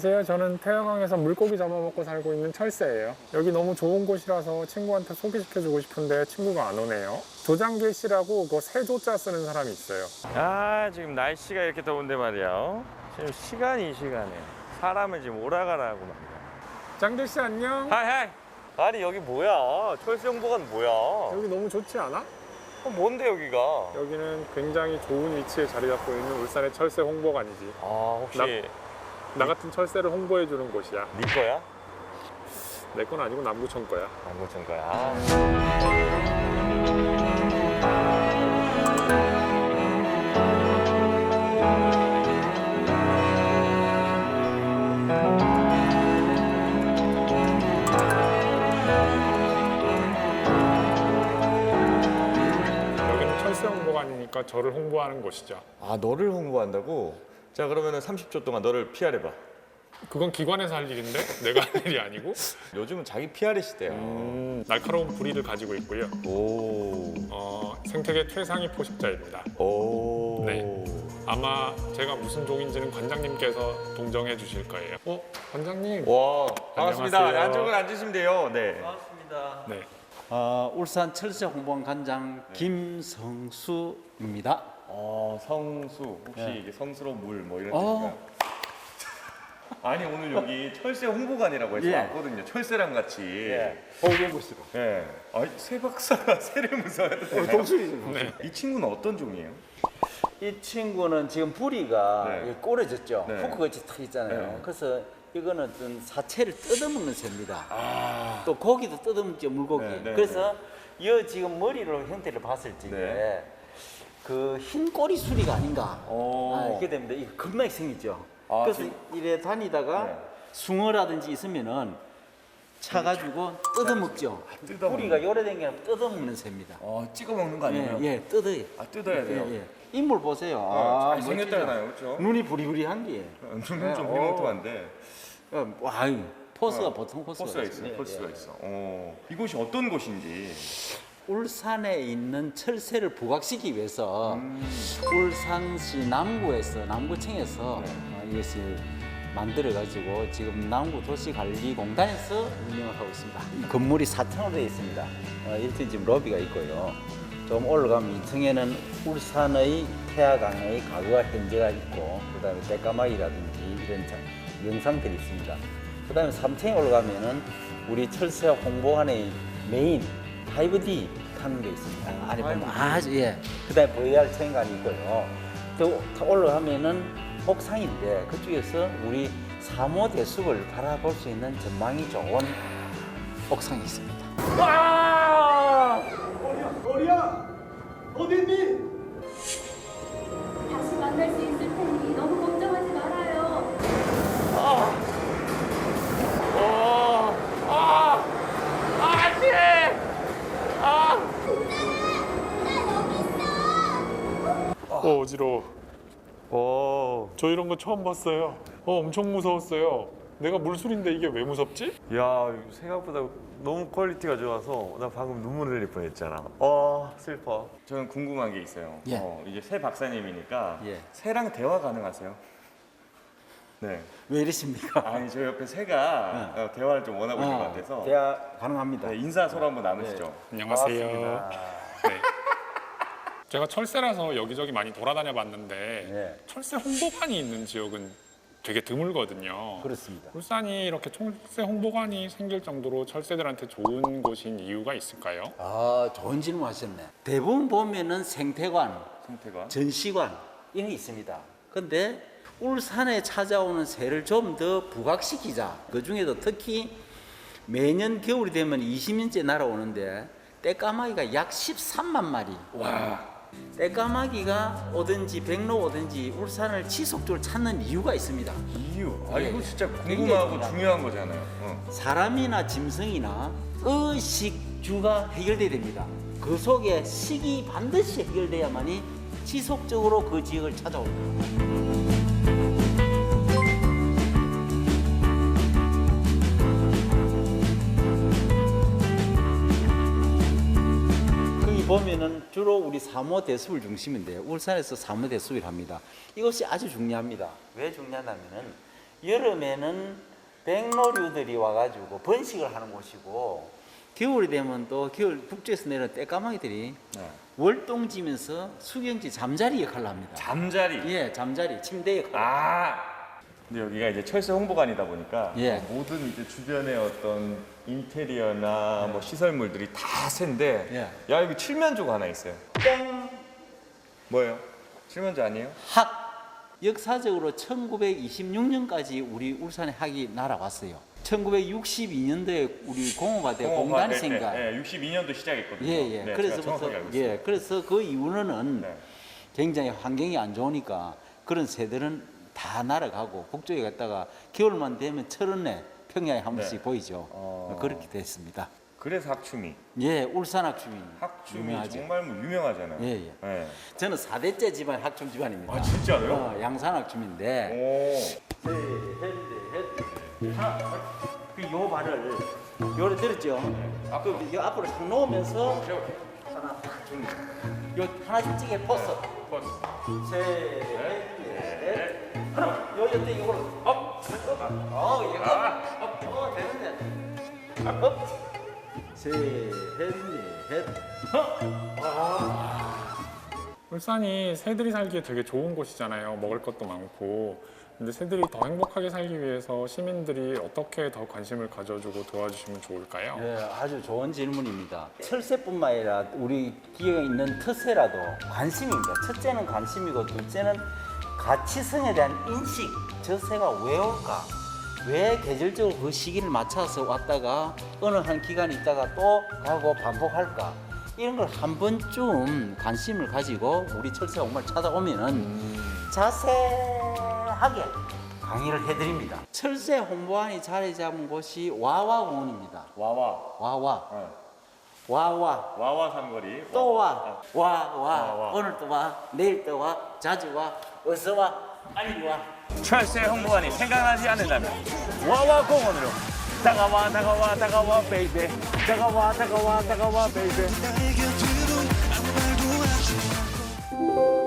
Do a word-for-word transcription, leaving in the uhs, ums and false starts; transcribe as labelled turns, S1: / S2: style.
S1: 안녕하세요. 저는 태화강에서 물고기 잡아먹고 살고 있는 철새예요. 여기 너무 좋은 곳이라서 친구한테 소개시켜주고 싶은데 친구가 안 오네요. 조장길 씨라고 그 세조자 쓰는 사람이 있어요.
S2: 아, 지금 날씨가 이렇게 더운데 말이야. 지금 시간이 이 시간에 사람을 지금 오라가라고 말이야.
S1: 장길 씨 안녕.
S2: 하이 하이. 아니 여기 뭐야? 철수영보관 뭐야?
S1: 여기 너무 좋지 않아?
S2: 어, 뭔데 여기가?
S1: 여기는 굉장히 좋은 위치에 자리 잡고 있는 울산의 철새 홍보관이지.
S2: 아, 혹시
S1: 나, 나 같은 철새를 홍보해주는 곳이야.
S2: 네 거야?
S1: 내 건 아니고 남구청 거야.
S2: 안 고친 거야. 아.
S1: 여기는 철새 홍보관이니까 저를 홍보하는 곳이죠.
S2: 아, 너를 홍보한다고? 자, 그러면은 삼십 초 동안 너를 피아르 봐.
S1: 그건 기관에서 할 일인데 내가 할 일이 아니고.
S2: 요즘은 자기 피아르 시대야.
S1: 음, 날카로운 부리를 가지고 있고요.
S2: 오.
S1: 어, 생태계 최상위 포식자입니다.
S2: 오.
S1: 네. 아마 제가 무슨 종인지는 관장님께서 동정해 주실 거예요. 어, 관장님.
S2: 와, 반갑습니다.
S1: 안녕하세요.
S2: 안쪽은 앉으시면 돼요. 네.
S3: 반갑습니다.
S1: 네.
S3: 어, 울산 철새 홍보관 관장 김성수입니다.
S2: 어, 성수. 혹시
S3: 네.
S2: 이게 성스러운 물 뭐 이런
S3: 어.
S2: 뜻인가요? 아니 오늘 여기 철새 홍보관이라고 해서
S3: 예.
S2: 왔거든요. 철새랑 같이.
S3: 예.
S1: 홍보부시로.
S2: 예. 아니 새 박사가 새를 무서워해도 되나요?
S3: 동수이죠.
S1: 네.
S2: 이 친구는 어떤 종이에요?
S3: 이 친구는 지금 부리가
S2: 네.
S3: 네. 꼬려졌죠.
S2: 네.
S3: 포크같이 탁 있잖아요.
S2: 네.
S3: 그래서 이거는 어떤 사체를 뜯어먹는 새입니다.
S2: 아.
S3: 또 고기도 뜯어먹죠, 물고기.
S2: 네, 네,
S3: 그래서 이 지금 머리로 형태를 봤을 적에
S2: 네.
S3: 그 흰 꼬리 수리가 아닌가.
S2: 오.
S3: 아, 이렇게 됩니다. 이거 겁나게 생기죠.
S2: 아,
S3: 그래서
S2: 지금-
S3: 이래 다니다가
S2: 네.
S3: 숭어라든지 있으면은 차가지고 뜯어먹죠.
S2: 뜯어먹는
S3: 뿌리가 요래된 게 아니라 뜯어먹는 새입니다.
S2: 어, 찍어 먹는 거
S3: 예, 예, 뜯어요.
S2: 아, 뜯어야 돼요.
S3: 예, 예. 인물 보세요.
S2: 아,
S3: 멋지죠?
S2: 잘생겼잖아요, 그렇죠?
S3: 눈이 부리부리한 게.
S2: 눈은 좀
S3: 네,
S2: 희망통한데
S3: 어, 와, 이 포스가
S2: 어,
S3: 보통 포스가,
S2: 포스가 있어,
S3: 있어요.
S2: 포스가
S3: 예, 예.
S2: 있어. 어, 이곳이 어떤 곳인지.
S3: 울산에 있는 철새를 부각시키기 위해서
S2: 음.
S3: 울산시 남구에서 남구청에서
S2: 네.
S3: 어, 이것을 만들어 가지고 지금 남구도시관리공단에서 운영을 하고 있습니다. 이 건물이 사 층으로 되어 있습니다. 어, 일 층 지금 로비가 있고요. 좀 올라가면 이 층에는 울산의 태화강의 과거와 현재가 있고 그다음에 떼까마귀라든지 이런 자- 영상들이 있습니다. 그다음에 삼 층에 올라가면은 우리 철새 홍보관의 메인 파이브 디 타는 게 있습니다. 안에 보면 아주 예. 그다음에 브이알 체험관이 있고요. 또 올라가면은 옥상인데 그쪽에서 우리 삼호 대숲을 바라볼 수 있는 전망이 좋은 옥상이 있습니다.
S4: 다시 만날 수 있을 테니 너무 걱정하지 말아요.
S1: 어, 어지러워.
S2: 오.
S1: 저 이런 거 처음 봤어요. 어, 엄청 무서웠어요. 내가 물술인데 이게 왜 무섭지?
S2: 야, 생각보다 너무 퀄리티가 좋아서 나 방금 눈물 흘릴 뻔했잖아. 어, 슬퍼. 저는 궁금한 게 있어요.
S3: 예.
S2: 어, 이제 새 박사님이니까
S3: 예.
S2: 새랑 대화 가능하세요? 네.
S3: 왜 이러십니까?
S2: 아니 저 옆에 새가 어, 대화를 좀 원하고 있는 것 같아서
S3: 대화 가능합니다.
S2: 네, 인사 서로 한번 나누시죠.
S1: 안녕하세요.
S2: 반갑습니다.
S1: 네. 제가 철새라서 여기저기 많이 돌아다녀 봤는데
S3: 네.
S1: 철새 홍보관이 있는 지역은 되게 드물거든요.
S3: 그렇습니다.
S1: 울산이 이렇게 철새 홍보관이 생길 정도로 철새들한테 좋은 곳인 이유가 있을까요?
S3: 아, 좋은 질문 하셨네. 대부분 보면은 생태관,
S2: 성태가
S3: 전시관 이런 게 있습니다. 근데 울산에 찾아오는 새를 좀 더 부각시키자. 그 중에도 특히 매년 겨울이 되면 이십 년째 날아오는데 떼까마귀가 약 십삼만 마리. 와. 떼까마귀가 오든지 백로 오든지 울산을 지속적으로 찾는 이유가 있습니다.
S2: 이유. 아
S3: 예,
S2: 이거
S3: 예.
S2: 진짜
S3: 굉장히
S2: 궁금하고
S3: 중요합니다.
S2: 중요한 거잖아요. 어.
S3: 사람이나 짐승이나 의식주가 해결돼야 됩니다. 그 속에 식이 반드시 해결돼야만이 지속적으로 그 지역을 찾아옵니다. 거기 보면은 주로 우리 삼호 대숲을 중심인데 울산에서 삼호 대숲을 합니다. 이것이 아주 중요합니다. 왜 중요하냐면은 여름에는 백로류들이 와가지고 번식을 하는 곳이고 겨울이 되면 또 겨울 북쪽에서 내려온 떼까마귀들이
S2: 네.
S3: 월동지면서 수경지 잠자리 역할을 합니다.
S2: 잠자리.
S3: 예, 잠자리, 침대 역할.
S2: 아. 근데 여기가 이제 철새 홍보관이다 보니까
S3: 예.
S2: 모든 이제 주변의 어떤 인테리어나 뭐 시설물들이 다 새인데
S3: 예.
S2: 야 여기 칠면조가 하나 있어요.
S3: 땡!
S2: 뭐예요? 칠면조 아니에요?
S3: 학! 역사적으로 천구백이십육 년까지 우리 울산에 학이 날아왔어요. 천구백육십이 년도에 우리 공호가 돼 공단이 생겨.
S2: 예, 육십이 년도 시작했거든요.
S3: 예, 예.
S2: 네,
S3: 그래서부터,
S2: 제가 정확하게 알고 있어요.
S3: 예, 그래서 그 이후로는
S2: 네.
S3: 굉장히 환경이 안 좋으니까 그런 새들은 다 날아가고 북쪽에 갔다가 겨울만 되면 철원에 평야에 한 번씩
S2: 네.
S3: 보이죠.
S2: 어.
S3: 그렇게 됐습니다.
S2: 그래서 학춤이.
S3: 예, 울산 학춤이
S2: 학춤이
S3: 유명하죠.
S2: 정말 뭐 유명하잖아요.
S3: 예, 예.
S2: 예.
S3: 저는 사 대째 집안 학춤 집안입니다.
S2: 아 진짜요?
S3: 어, 양산 학춤인데.
S2: 오.
S3: 셋, 넷, 넷. 하나, 그요 발을 요래 들었죠. 그 요 앞으로 탁 놓으면서 하나, 요 하나씩 찌개 포스.
S2: 버스.
S3: 셋, 넷, 넷. 하나, 요 옆에 이걸 업, 업, 어, 예, 업, 업, 어, 되는데. 업. 셋, 넷, 넷.
S1: 울산이 새들이 살기에 되게 좋은 곳이잖아요. 먹을 것도 많고. 근데 새들이 더 행복하게 살기 위해서 시민들이 어떻게 더 관심을 가져주고 도와주시면 좋을까요?
S3: 네, 아주 좋은 질문입니다. 철새뿐만 아니라 우리 기에 있는特새라도 관심입니다. 첫째는 관심이고 둘째는 가치성에 대한 인식. 저 새가 왜 올까? 왜 계절적으로 그 시기를 맞춰서 왔다가 어느 한 기간 있다가 또 가고 반복할까? 이런 걸 한 번쯤 관심을 가지고 우리 철새 정말 찾아오면은 자세하게 강의를 해드립니다. 철새 홍보관이 자리 잡은 곳이 와와공원입니다.
S2: 와와.
S3: 와와,
S2: 네.
S3: 와와,
S2: 와와 삼거리.
S3: 또 와, 와, 와,
S2: 와, 와.
S3: 오늘 또 와, 내일 또 와, 자주 와, 어서 와, 빨리 와.
S2: 철새 홍보관이 생각나지 않는다면 와와 공원으로 다가와 다가와 다가와 베이베 다가와 다가와 다가와 베이베.
S5: 나의 곁으로 아무 말도 하지 마.